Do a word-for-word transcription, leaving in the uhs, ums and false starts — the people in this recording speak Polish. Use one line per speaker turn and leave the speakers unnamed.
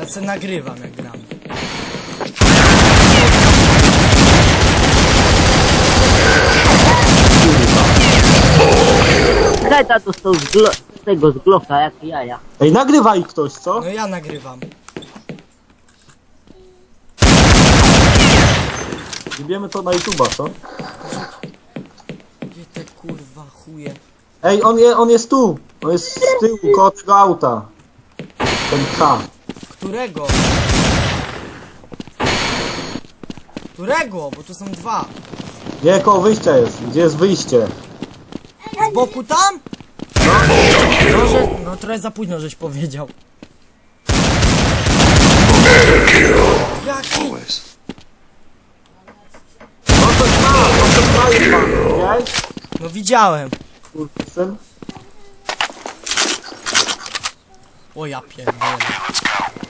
Ja se nagrywam jak gram.
Daj tato z, tą z, glo z tego z Glocka, jak jaja.
Ej, nagrywaj ktoś, co?
No ja nagrywam.
Wiemy to na YouTube'a, co?
Gdzie te kurwa chuje?
Ej, on, je, on jest tu! On jest z tyłu, koło tego auta. Ten K.
Którego? Którego? Bo tu są dwa.
Nie, koło wyjścia jest. Gdzie jest wyjście?
Z boku tam? Może... No trochę za późno żeś powiedział. Jaki?
No to ma, no to ma jest pan, widziałeś?
No widziałem.
Kurczę.
O ja pierdolę.